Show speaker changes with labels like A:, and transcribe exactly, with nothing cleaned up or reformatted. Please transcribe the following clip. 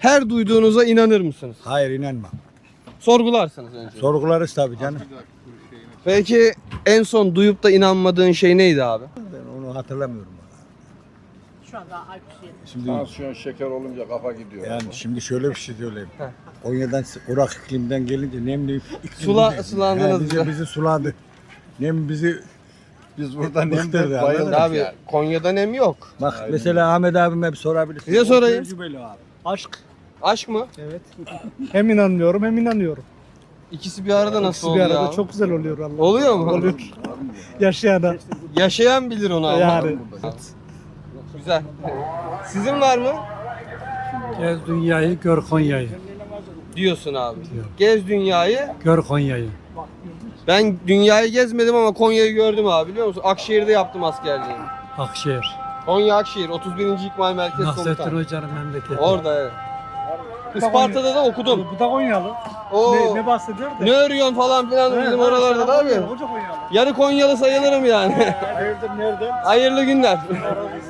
A: Her duyduğunuza inanır mısınız?
B: Hayır, inanmam.
A: Sorgularsınız önce.
B: Sorgularız tabii canım.
A: Peki en son duyup da inanmadığın şey neydi abi?
B: Ben onu hatırlamıyorum.
C: Şu anda Alpçi'ye.
B: Şimdi
D: Tansiyon şeker olunca kafa gidiyor.
B: yani şimdi şöyle bir şey söyleyeyim. Konya'dan kurak iklimden gelince nemli iklim
A: Sula-
B: bizi-
A: sulandınız
B: He, bizi,
A: bize.
B: bizi suladı. Nem bizi
D: Biz burada
B: Bıktırdı
D: nemde
B: ya,
D: bayıldık
A: Abi
D: yani.
A: Konya'da nem yok.
B: bak
D: Aynen.
B: mesela Ahmet abime hep sorabilirsin.
A: Size
B: O
A: sorayım.
B: tecrübeli abi.
E: Aşk.
A: Aşk mı?
E: Evet. Hem inanmıyorum hem inanıyorum.
A: İkisi bir arada nasıl
E: İkisi bir
A: oluyor
E: arada
A: abi?
E: çok güzel oluyor Allah.
A: Oluyor mu?
E: Oluyor. Yaşayana.
A: Yaşayan bilir onu ama.
E: Yani.
A: Güzel. Sizin var mı?
F: Gez dünyayı, gör Konya'yı.
A: Diyorsun abi. Gez dünyayı.
F: Gör Konya'yı.
A: Ben dünyayı gezmedim ama Konya'yı gördüm abi, biliyor musun? Akşehir'de yaptım askerliğimi.
F: Akşehir.
A: Konya Akşehir otuz birinci İkmal Merkez
F: Nasrettin
A: Komutanı.
F: Hoca'nın memleketi.
A: Orada evet. Isparta'da da okudum.
E: Bu da Konyalı.
A: O
E: Ne, ne bahsediyor da?
A: ne örüyorsun falan filan
E: He,
A: bizim
E: ha,
A: oralarda da abi.
E: Konyalı, Hoca Konyalı.
A: Yarı Konyalı sayılırım yani.
E: Hayırdır nerede?
A: Hayırlı günler.